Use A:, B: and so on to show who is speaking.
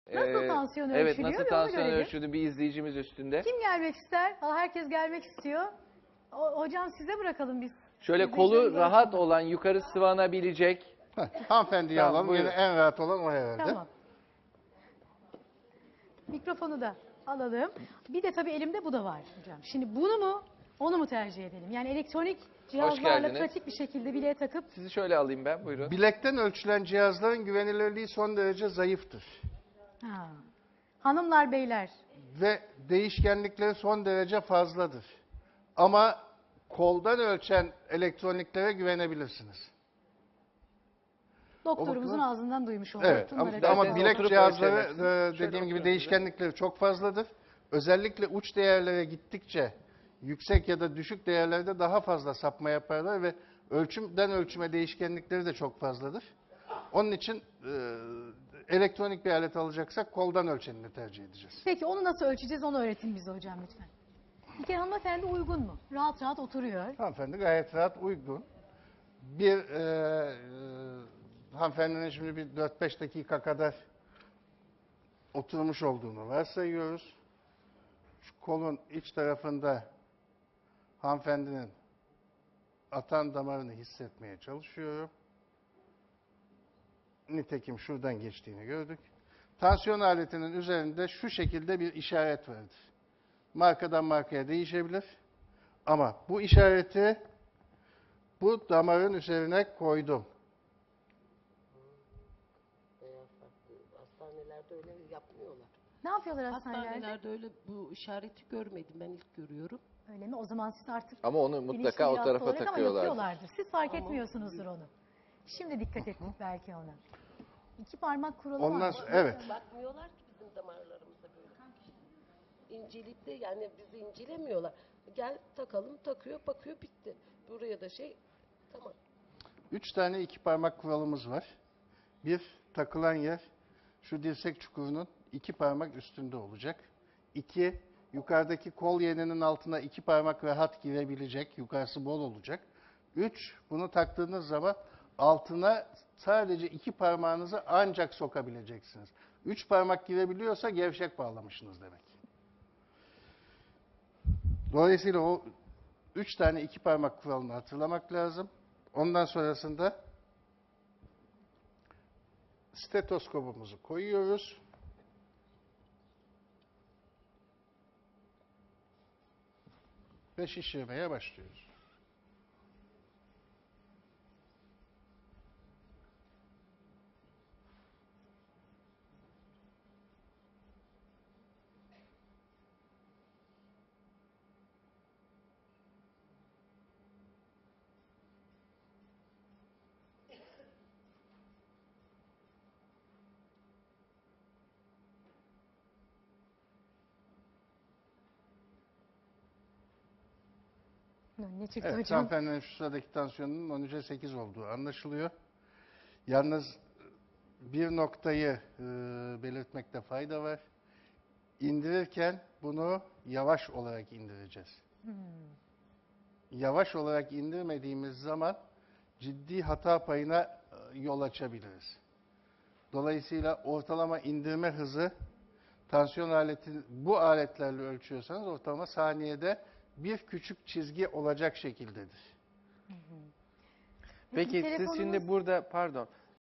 A: Nasıl tansiyon
B: Evet,
A: ölçülüyor?
B: nasıl
A: Bir onu
B: tansiyon
A: görelim.
B: ölçüldü bir izleyicimiz üstünde.
A: Kim gelmek ister? Herkes gelmek istiyor. Hocam size bırakalım biz.
B: Şöyle kolu
A: İzleyicilerimiz
B: rahat
A: arasında.
B: olan, yukarı sıvanabilecek.
C: Hanımefendiyi
B: Tamam,
C: alalım.
B: buyurun.
C: Yine en rahat olan o herhalde.
A: Tamam. Mikrofonu da alalım. Bir de tabii elimde bu da var hocam. Şimdi bunu mu onu mu tercih edelim? Yani elektronik cihazlarla
B: geldiniz.
A: pratik bir şekilde bileğe takıp
B: Sizi şöyle alayım ben, buyurun.
C: Bilekten ölçülen cihazların güvenilirliği son derece zayıftır.
A: ha. Hanımlar beyler
C: Ve değişkenlikleri son derece fazladır. Ama koldan ölçen elektroniklere güvenebilirsiniz.
A: doktorumuzun
C: bakımdan-
A: ağzından duymuş olduk.
C: Evet
A: Bunlara
C: ama,
A: dikkat
C: ama
A: edelim.
C: bilek
B: oturup
C: cihazları
B: ölçemezsiniz. Şöyle
C: dediğim gibi
B: oturun
C: değişkenlikleri çok fazladır. Özellikle uç değerlere gittikçe yüksek ya da düşük değerlerde daha fazla sapma yaparlar ve ölçümden ölçüme değişkenlikleri de çok fazladır. Onun için elektronik bir alet alacaksak koldan ölçenini tercih edeceğiz.
A: Peki onu nasıl ölçeceğiz onu öğretin bize hocam lütfen. Bir kere hanımefendi uygun mu? Rahat rahat oturuyor.
C: Hanımefendi gayet rahat uygun. Bir hanımefendinin şimdi bir 4-5 dakika kadar oturmuş olduğunu varsayıyoruz. Şu kolun iç tarafında hanımefendinin atan damarını hissetmeye çalışıyorum. Nitekim şuradan geçtiğini gördük. Tansiyon aletinin üzerinde şu şekilde bir işaret vardır. Markadan markaya değişebilir. Ama bu işareti bu damarın üzerine koydum.
D: Hastanelerde öyle yapmıyorlar.
A: Ne yapıyorlar hastanelerde?
D: Hastanelerde öyle bu işareti görmedim. Ben ilk görüyorum.
A: Öyle mi? O zaman siz artık
B: Ama onu
A: bilinçli
B: mutlaka
A: bir
B: o
A: hasta
B: tarafa
A: olarak ama
B: takıyorlar.
A: yapıyorlardır. Siz fark
D: Ama-
A: etmiyorsunuzdur onu. Şimdi dikkat ettik belki ona. İki parmak kuralı
C: Ondan
A: var.
C: sonra, evet.
D: Bakmıyorlar ki bizim damarlarımıza böyle. İnceleyip de yani bizi incelemiyorlar. Gel takalım, takıyor, bakıyor, bitti. Buraya da tamam.
C: 3 tane iki parmak kuralımız var. Bir, takılan yer şu dirsek çukurunun 2 parmak üstünde olacak. 2, yukarıdaki kol yeninin altına 2 parmak rahat girebilecek, yukarısı bol olacak. 3, bunu taktığınız zaman altına sadece 2 parmağınızı ancak sokabileceksiniz. 3 parmak girebiliyorsa gevşek bağlamışsınız demek. Dolayısıyla o 3 tane 2 parmak kuralını hatırlamak lazım. Ondan sonrasında stetoskopumuzu koyuyoruz. Ve şişirmeye başlıyoruz.
A: Ne çıktı
C: Evet,
A: hocam?
C: hanımefendinin şu sıradaki tansiyonunun 13'e 8 olduğu anlaşılıyor. Yalnız bir noktayı belirtmekte fayda var. İndirirken bunu yavaş olarak indireceğiz. Yavaş olarak indirmediğimiz zaman ciddi hata payına yol açabiliriz. Dolayısıyla ortalama indirme hızı tansiyon aleti bu aletlerle ölçüyorsanız ortalama saniyede bir küçük çizgi olacak şekildedir.
B: Peki siz
A: telefonumuz-
B: şimdi burada, pardon,